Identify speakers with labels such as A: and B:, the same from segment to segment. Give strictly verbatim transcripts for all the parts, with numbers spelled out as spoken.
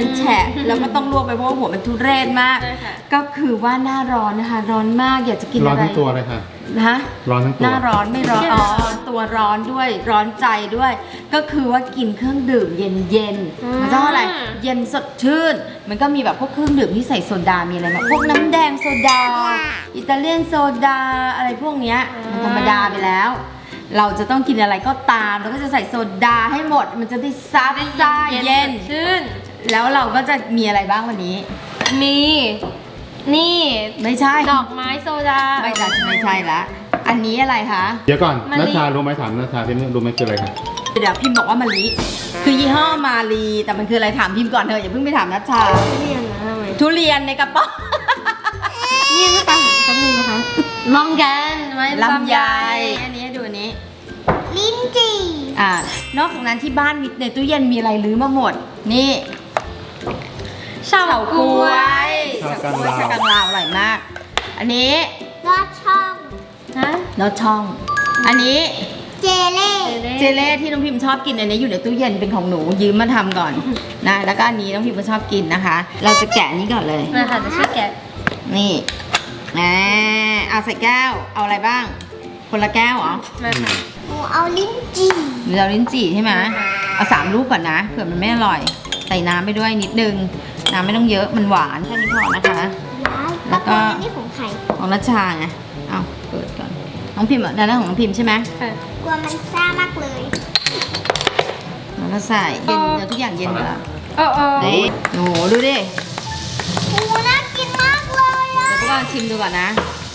A: มันแฉะแล้วก็ต้องลวกไปเพราะว่าหัวมันทุเรศมากก็คือว่าหน้าร้อนนะคะร้อนมากอยากจะกินอะไร
B: ร้อนทั้งตัวเลยค่ะ
A: ฮะ
B: ร้อนทั้งตัว
A: หน้าร้อนไม่ร้อนอ๋อตัวร้อนด้วยร้อนใจด้วย ก็คือว่ากินเครื่องดื่มเย็นๆมันต้องอะไรเย็นสดชื่นมันก็มีแบบพวกเครื่องดื่มที่ใส่โซดามีอะไรแบบพวกน้ำแดงโซดาอิตาเลียนโซดาอะไรพวกเนี้ยมันธรรมดาไปแล้วเราจะต้องกินอะไรก็ตามเราก็จะใส่โซดาให้หมดมันจะได้ซับซ่าเย็น
C: ชื่น
A: แล้วเราก็จะมีอะไรบ้างวันนี้
C: มีนี่
A: ไม่ใช่
C: ดอกไม้โซดา
A: ไม่ใช่ไม่ใช่ละอันนี้อะไรคะ
B: เดี๋ยวก่อนนัชชารู้ไหมถามนัชชาที่รู้ไหมคืออะไรครับ
A: เดี๋ยวพิมพ์บอกว่ามะลิคือยี่ห้อมาลีแต่มันคืออะไรถามพิมพ์ก่อนเถอะอย่าเพิ่งไปถามนัชชา
C: ทุเรียนนะทำไม
A: ทุเรียนในกระป๋อง
C: นี่ไม่ปังแป๊บนึงนะคะลองกันไว้
A: ลำไยอันนี้ดูอันนี้
C: ลิ้นจี่
A: อ่านอกจากนั้นที่บ้านมิในตู้เย็นมีอะไรลื้อมาหมดนี่เฉาก๊วย
B: เฉาก๊วย
A: เฉากังลาวอร่อยมากอันนี้
C: ลอดช่อง
A: ฮะลอดช่องอันนี้
C: เจเล่
A: เจเล่ที่น้องพิมชอบกินอันนี้อยู่ในตู้เย็นเป็นของหนูยืมมาทำก่อนนะแล้วก็อันนี้น้องพิมก็ชอบกินนะคะเราจะแกะนี้ก่อนเลย
C: นะคะจะช่วยแกะ
A: นี่นะเอาใส่แก้วเอาอะไรบ้างคนละแก้วเหรอ
C: มาค่ะหนูเอาลิ้นจี่
A: หนูเอาลิ้นจี่ใช่ไหมเอาสามลูกก่อนนะเผื่อมันไม่อร่อยใส่น้ำไปด้วยนิดนึงน้ำไม่ต้องเยอะมันหวานแค่นี้พอนะคะแล้วก็
C: นี่ของใคร
A: ของนัชชาไงเอาเปิดก่อนน้องพิมพ์อ่ะด้านหน้าของน้องพิมพ์ใช่ไหม
C: กลัวมันซ่ามากเลย
A: แล้วก็ใส่เย็นเดี๋ยวทุกอย่างเย็นหมดแล้ว
C: โอ้โอ้
A: นี่โอ้โหดูดิ
C: โอ้น่ากินมากเลยอ่ะ
A: เดี๋ยวพวกเราชิมดูก่อนนะ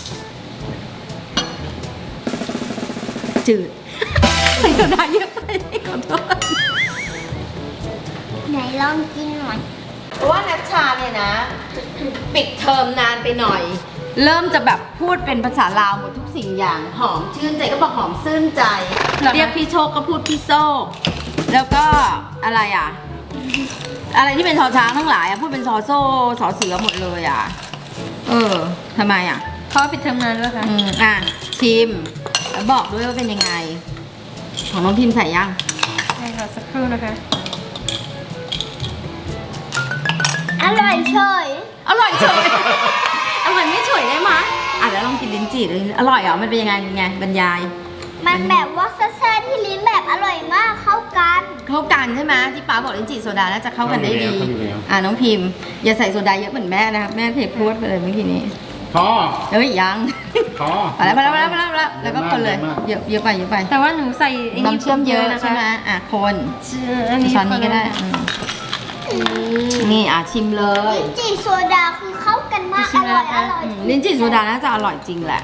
A: จืดใส่โซดาเยอะไปขอโทษ
C: ไหนลองกินหน่อย
A: เพราะว่านัชชาเนี่ยนะปิดเทอมนานไปหน่อยเริ่มจะแบบพูดเป็นภาษาลาวหมดทุกสิ่งอย่างหอมชื่นใจก็บอกหอมซื่นใจเรียกพี่โชคก็พูดพี่โซกแล้วก็อะไรอ่ะอะไรที่เป็นชอช้างทั้งหลายอ่ะพูดเป็นซอโซ่สอเสือหมดเลยอ่ะเออทำไมอ่ะ
C: เขาปิดเทอมนานแล้วค่ะ
A: อืมอ่ะชิมแล้วบอกด้วยว่าเป็นยังไงของน้องพิมใส่ยัง
C: ใช่ค่ะสักครู่นะคะอร่อยเฉย
A: อร่อยเฉยอร่อยไม่เฉยได้ไหมอ่ะแล้วลองกินลิ้นจี่เลยอร่อยเหรอมันเป็นยังไงยังไงบรรยาย
C: มันแบบว่าซ่าๆที่ลิ้นแบบอร่อยมากเข้ากัน
A: เข้ากันใช่ไหมที่ป้าบอกลิ้นจี่โซดาน่าจะเข้ากันได้ดีอ่ะน้องพิมอย่าใส่โซดาเยอะเหมือนแม่นะครับแม่เทพูดไปเลยเมื่อกี้นี้
B: พอ
A: เอ้ยยัง
B: พอ
A: พอแล้วพอแล้วพอแล้วพอแล้วแล้วก็คนเลยเยอะเยอะไปเยอะไป
C: แต่ว่าหนูใส่
A: น้ำเชื่อมเยอะใช่ไหมอ่ะคนช้อนนี้ก็ได้นี่อ่ะชิมเลย
C: ลิ้นจี่โซดาคือเข้ากันมากอร่อยอร่อย
A: ลิ้นจี่โซดาน่าจะอร่อยจริงแหละ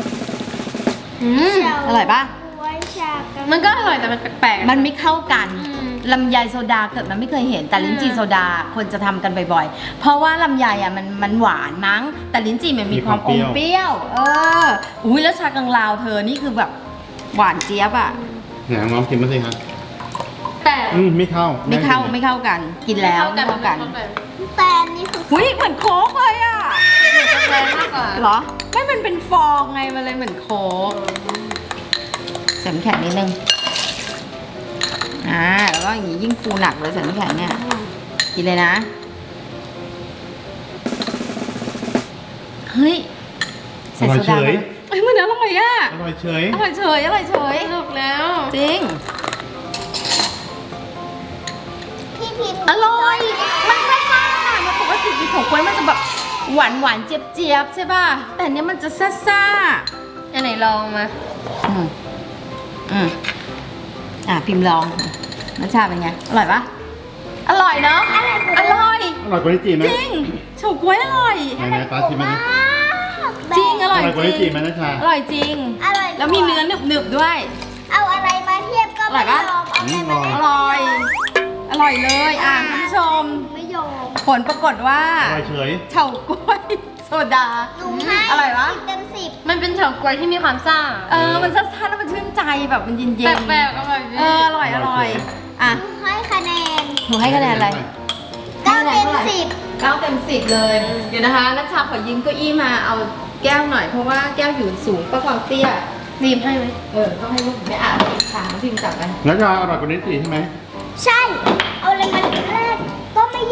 A: อร่อยปะ
C: มันก็อร่อยแต่มันแปลก
A: ๆมันไม่เข้ากันลำไยโซดาเกิดมันไม่เคยเห็นแต่ลิ้นจี่โซดาคนจะทำกันบ่อยๆเพราะว่าลำไยอ่ะมันมันหวานมั้งแต่ลิ้นจี่มันมีความอมเปรี้ยวเอออุ้ยแล้วชากังลาวเธอนี่คือแบบหวานเจี๊ยบอ่ะ
B: ไหนน้องกินมาสิครับ
C: แต่
B: ไม่เข้า
A: ไม่เข้าไม่เข้ากันกินแล้วไม่เข้ากัน
C: แต่นี่คือ
A: อุ้ยเหมือนโค้กเลยอ่ะ
C: แรงมากกว่า
A: เหรอไม่มันเป็นฟองไงมันเลยเหมือนโค้กใส่น้ำแข็งนิดนึงอ่าแล้วก็อย่างนี้ยิ่งฟูหนักเลยใส่น้ำแข็งเนี่ยกินเลยนะเฮ้ย
B: ใส่โซดา
A: เฮ้ยมันอร่อยอ่ะ
B: อร่อยเฉย
A: อร่อยเฉยอร่อยเฉย
C: ถูกแล้ว
A: จริง
C: พี่พิม
A: อร่อยมันซ่าๆมันปกติกินของกล้วยมันจะแบบหวานหวานเจี๊ยบเจี๊ยบใช่ป่ะแต่เนี้ยมันจะซ่า
C: ๆอันไหนลองมา
A: อืมอืมอ่ะพิมพ์ลองรสชาติเป็นไงอร่อยปะอร่อยเนาะอร่อย
B: อร่อยกว่าลิ้นจี่ไหม
A: จริงเฉาก๊วยอร่อย
B: ไหนๆป้าชิมไหม
A: จริงอร่อย
B: กว่าลิ้นจี่ไหมนะชา
A: อร่อยจริง
C: อร่อย
A: แล้วมีเนื้อหนึบๆด้วย
C: เอาอะไรมาเทียบก็ไม่ยอม
A: อร่อยอร่อยเลยอ่ะคุณผู้ชม
C: ไม่ยอม
A: ผลปรากฏว่า
B: อร่อยเฉย
A: เฉาก๊วยโซดาอร่อยวะ
C: เต็มสิบมันเป็นเฉาก๊วยที่มีความซ่า
A: เออมันซ่าๆแล้วมันชื่นใจแบบมันเย็น
C: ๆแปลกๆอร่อย
A: เอออร่อยอร่อยอ่ะ
C: ให้คะแนน
A: หนูให้คะแนนอะไร
C: เก้าเต็มสิบ
A: เก้าเต็มสิบเลยเดี๋ยวนะคะนัชชาขอยืมเก้าอี้มาเอาแก้วหน่อยเพราะว่าแก้วอยู่สูงก็ความเตี้ย
C: รีบให้ไหม
A: เออต้องให้ลูกไม่อ่านถามพิมพ์จับไป
B: นัชชาอร่อยกว่าลิ้นจี่ใช่ไหม
C: ใช่เอาอะไรมาแรกก็ไม่ยอมร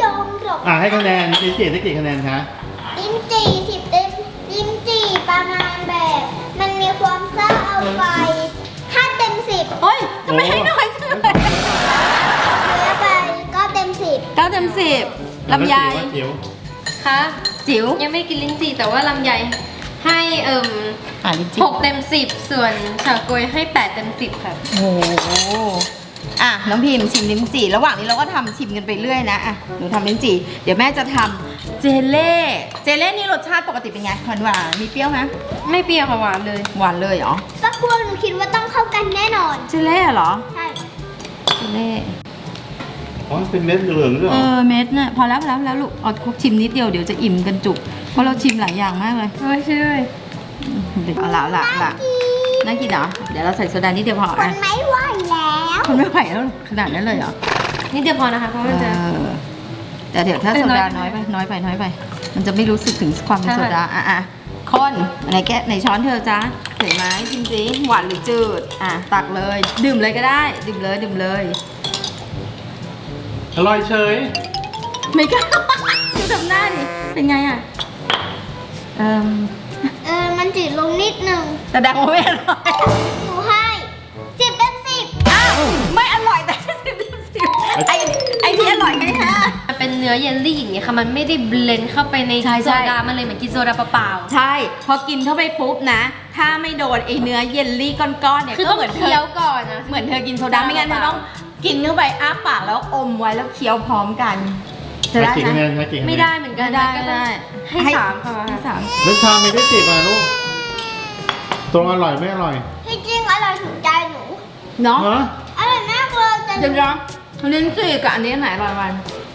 D: หรอก
B: อ่ะให้คะแนนลิ้นจี่ได้กี่คะแนนคะ
D: ลิ้นจี่สิบเต็มลิ้นจี่ประมาณแบบ มันมีความซ่าเอาไปห้าเต็มสิบ
A: โอ้ยทำไมให้น้อยจังเลย
D: เหลือไปก็เต็มสิบ
A: เก้าเต็มสิบลำไย
B: แล้วจิ๋ว
C: คะ
A: จิ๋ว
C: ยังไม่กินลิ้นจี่แต่ว่าลำไยให้เอิ่ม
A: อ่าลิ้นจี่
C: หกเต็มสิบส่วนเฉาก๊วยให้แปดเต็มสิบค่ะ
A: โอ้โหอ่ะน้องพิมชิมลิ้นจี่ระหว่างนี้เราก็ทำชิมกันไปเรื่อยนะอ่ะหนูทำลิ้นจี่เดี๋ยวแม่จะทำเจเล่เจเล่นี่รสชาติปกติเป็นไงหวานหวานๆมีเปรี้ยวไหม
C: ไม่เปรี้ยวค่ะหวานเลย
A: หวานเลยเหรอ
D: สักครู่หนูคิดว่าต้องเข้ากันแน่นอน
A: เจเล่เหรอ
D: ใช่
A: เจเล่
B: อ๋อเป็นเม็ดเหลืองๆด้วยเห
A: เอ
B: รอ
A: อเม็ดน่ะพอแล้วพอแล้วพอแล้วลูกเอาคุกชิมนิดเดียวเดี๋ยวจะอิ่มกันจุกเพราะเราชิมหลายอย่างมากเลย
C: โอ้ยช่วย
A: เอาละเอาละเอาละน่ากินเหรอเดี๋ยวเราใส่โซดานิดเดียวพอ
D: ท
A: อ่ะ
D: นไม่ไหวแล้ว
A: คนไม่ไหวแล้วขนาดนั้นเลยเหรอ
C: นี่เดียวพอนะคะเพราะมันจะ
A: เออแต่เดี๋ยวถ้า
C: เออ
A: โซดา
C: น้
A: น้อ
C: อย ย
A: ไป
C: ไป
A: น้อยไปน้อยไป มันจะไม่รู้สึกถึงความเป็น
C: ใช่
A: โซดาอ่ะอ่ะคนไหนแกะไหนช้อนเธอจ้าเห็นไหมจริงๆหวานหรือจืดอ่ะตักเลย ดื่มเลยก็ได้ ดื่มเลยดื่มเลย
B: อร่อยเฉย
A: ไม่กล้า ดูทำหน้าดิเป็นไงอ่ะเอ่ม
D: เออมันจืดลงนิดนึง
A: แต่ดังว่าไม่อร่อย
D: หนูให้สิบเต็มสิบ
A: อ้าวไม่อร่อยแต่สิบสิบไอไอที่อร่อยให้ห้า
C: มันเป็นเนื้อเยลลี่อย่างเงี้ยค่ะมันไม่ได้เบลนด์เข้าไปใน
A: ใช่
C: โซ
A: ใช่
C: ดามันเลยเหมือนกินโซดาเปล่า
A: ใช่พอกินเข้าไปปุ๊บนะ ถ้าไม่โดนไอเนื้อเยลลี่ก้อนๆเนี่ย
C: ๆคือ
A: ก็
C: ต้อง
A: เหมือนเธ
C: เคี้
A: อ
C: ยวก่อนนะ
A: เหมือนเธอกินโซดาไม่งั้นเธอต้องกินเข้าไปอ้าปากแล้วอมไว้แล้วเคี้ยวพร้อมกันจะ
B: ให้
A: ได้
B: กี่คะ
A: ไห
B: แน
A: ม
B: นให้กี่คะแนน
C: ไม่ได้เหมือนกัน
A: ได้
C: ก็
A: ได้
C: ต้องให้สามค่ะ
A: ให้สาม
B: แล้วชาไม่ได้สิบอ่ะลูกตรงอร่อยไม่อร่อย
D: ที่จริงอร่อยถูกใจหนู
A: เนาะ
B: ฮะ
D: อร่อยมากเลยแต่ห
A: เดี๋ยว
D: นู
A: นะลิ้นจี่กับอันนี้อันไหนอร่อยกว่ากัน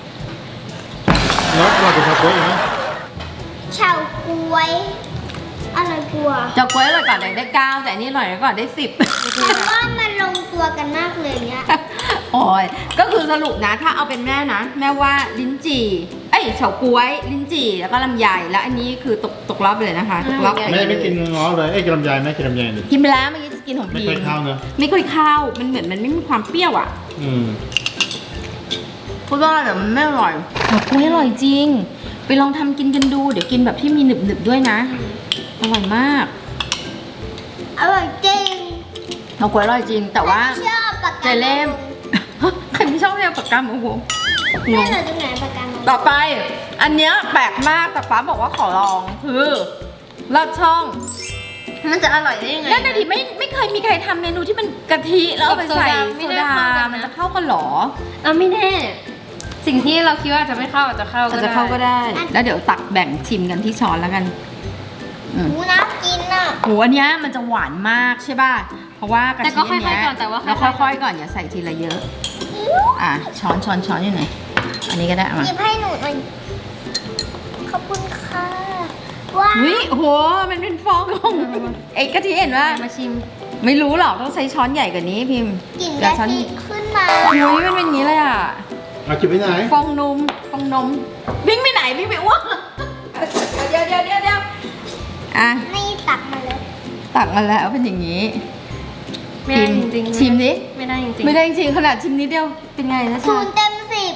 B: แล้วอร่อยกว่าชาโก๊วยอีกไหม
D: เฉาก๊วยอร่อยกว่า
A: เจ้ากล้วยอร่อยกว่าได้เก้าแต่อันนี้อร่อยกว่าได้สิบ
D: แต่ว่ามันลงตัวกันมากเลยเนี้ย
A: โอ้ยก็คือสรุปนะถ้าเอาเป็นแม่นะ แม่ว่าลิ้นจี่เอ้ยเฉาก๊วยลิ้นจี่แล้วก็ลำไยแล้วอันนี้คือตกตกรอบไปเลยนะคะตกรอบไป
B: แม่
A: เลย
B: ไม่กินง้อเลยเอ้ยกินลำไยไหมกินลำไยดิ
A: กินไปแล้วเมื่อกี้จะกินของ
B: ไม่
A: พี
B: เคยเข้าเนอะ
A: ไม่เคยเข้ามันเหมือนมันไม่มีความเปรี้ยวอ่ะ
B: อืม
A: พูดว่าแต่มันไม่อร่อยเฉาก๊วยอร่อยจริง ไปลองทำกินกันดูเดี๋ยวกินแบบที่มีหนึบหนึบๆด้วยนะอร่อยมาก
D: อร่อยจริง
A: เฉาก๊วยอร่อยจริง แต่ว่า
D: ชอบปาก
A: เจ
D: กา
A: เล่ม ใครไม่ชอบเรียกปากกาโอ้โห
D: แม่เราจะไหนปากกา
A: ต่อไป อันเนี้ยแปลกมากแต่ฟ้าบอกว่าขอลองคือลอดช่อง
C: มันจะอร่อยได้ยังไง
A: นั่นน่ะดิไม่ไม่เคยมีใครทำเมนูที่มันกะทิแล้วเอาไปใส่
C: กับโซดาไม่
A: โซ
C: ได้
A: ดา
C: เข้ากันนะ
A: มันจะเข้ากันเหรอ
C: อ่ะไม่แน่ สิ่งที่เราคิดว่าจะไม่เข้าอาจจะเข้าก็
A: อาจ
C: ได้
A: จะเข้าก็ได้ แล้วเดี๋ยวตักแบ่งชิมกันที่ช้อนแล้วกันอืม
D: หนูน่ากินอ่ะ
A: โหอันเนี้ยมันจะหวานมากใช่ป่ะเพราะว่ากะ
C: แต่
A: ทิ
C: ก็
A: อัน
C: ค่อย
A: เนี้ย
C: ๆก่อนแต่ว่า
A: แล้วค่อยๆก่อนอย่าใส่ทีละเยอะ อ่ะช้อนช้อนช้อนอยู่ไหนอันนี้ก็ได้เอามา
D: หยิบให้หนูหน่อยขอบคุณค่ะว้าว
A: วิโหมันเป็นฟองของไอ้กะทิเห็นว่า
C: มาชิม
A: ไม่รู้หรอกต้องใช้ช้อนใหญ่กว่านี้พิมพ์
D: กลิ่น
A: เดี๋ย
D: กะ
A: วช้อน
D: ทิขึ้นมา
A: อุ้ยมันเป็นอย่างนี้เลยอ่ะ
B: เอาจิบไปไหน
A: ฟองนมฟองนมวิ่งไปไหนวิ่งไปอ้วกเดี๋ยวเดี๋ยวเดี๋ยวเดี๋ยวอ่ะ
D: นี่ตักมาเลย
A: ตักมาแล้วเป็นอย่างนี้
C: ไม่ได้จริงๆ
A: ชิมดิ
C: ไม่ได้จริงๆ
A: ไม่ได้จริงๆขนาดชิมนิดเดียวเป็นไงนะ
D: ศู
A: ชาน
D: ย์เต็มสิบ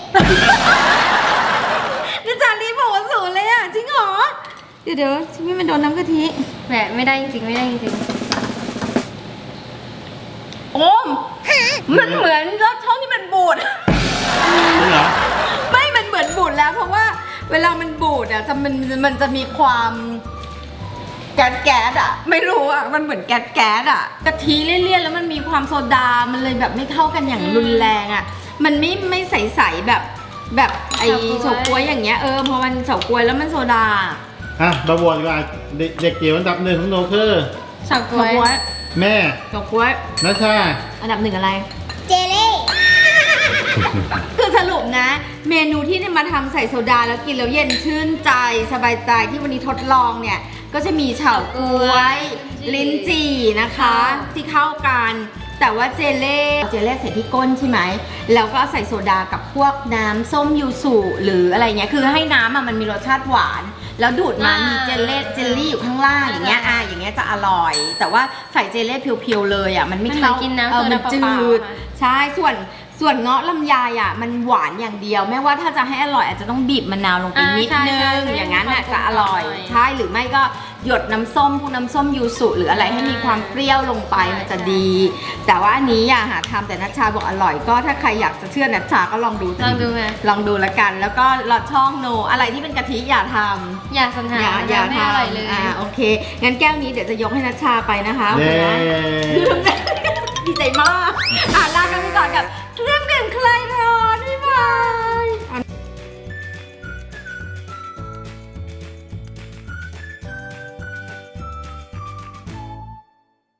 A: นี่จานรีบบอกว่าศูนย์เลยอ่ะจริงเหรอเดี๋ยวเดี๋ยวชิมให้มันโดนน้ำกะทิ
C: แหมไม่ได้จริงๆไม่ได้จริง
A: โอ้มมันเหมือนรสช่องที่มันบูด
B: จริงเหรอ
A: ไม่มันเหมือนบูดแล้วเพราะว่าเวลามันบูดอ่ะจะมันมันจะมีความแก๊สแก๊สอ่ะ ไม่รู้อ่ะมันเหมือนแก๊สแก๊สอ่ะกะทิเลี่ยนๆแล้วมันมีความโซดา มันเลยแบบไม่เข้ากันอย่างรุนแรงอ่ะ มันไม่ไม่ใสๆแบบแบบไอเฉาก๊วยอย่างเงี้ยเออพอมันเฉาก๊วยแล้วมันโซดา
B: อ่ะมาบวชดีกว่าเด็กเด็กเกี่ยวอันดับหนึ่งของโนคือ
C: ๆเฉาก๊
A: เฉา
C: วย
A: ก๊วย
B: แม่
A: เฉาก๊วย
B: นัชชา
A: อันดับหนึ่งอะไร
D: เจเล่
A: คือสรุปนะ เมนูที่มาทำใส่โซดาแล้วกินแล้วเย็นชื่นใจสบายใจที่วันนี้ทดลองเนี่ย ก็จะมีเฉาก๊วย ลิ้นจี่นะคะ ที่เข้ากัน แต่ว่าเจเล่เจเล่ใส่ที่ก้นใช่ไหมแล้วก็ใส่โซดากับพวกน้ำส้มยูสุหรืออะไรเงี้ยคือให้น้ำอะมันมีรสชาติหวาน แล้วดูดมามีเจลเล่เจลลี่อยู่ข้างล่างอย่างเงี้ยอ่ะอย่างเงี้ยจะอร่อย แต่ว่าใส่เจลเล่เพียวๆเลยอ่ะมันไม่เข้า
C: มันเหมือนกินน้ำ
A: เออมัน
C: โซดา
A: จื
C: เปล่า
A: ด
C: ๆค่ะ
A: ใช่ส่วนส่วนเงาะลำไยอ่ะมันหวานอย่างเดียวแม้ว่าถ้าจะให้อร่อยอาจจะต้องบีบมะนาวลงไปนิดนึงอย่างนั้นอ่ะจะอร่อยใช่หรือไม่ก็หยดน้ำส้มพวกน้ำส้มยูสุหรืออะไรให้มีความเปรี้ยวลงไปมันจะดี แต่ว่าอันนี้อย่าหาทำแต่นัชชาบอกอร่อยก็ถ้าใครอยากจะเชื่อนัชชาก็ลองดู
C: ลองดูไหม
A: ลองดูละกัน แล้วก็ลอดช่องโนอะไรที่เป็นกะทิอย่าทำ
C: อย่าสัญหา
A: อย่าอย่า
C: ไม่
A: ท
C: อร่อยเลย
A: ำอ่าโอเคงั้นแก้วนี้เดี๋ยวจะยกให้นัชชาไปนะคะ
B: เย้
A: ลืม ดีใจมากอ่ะลากันไปก่อนกับ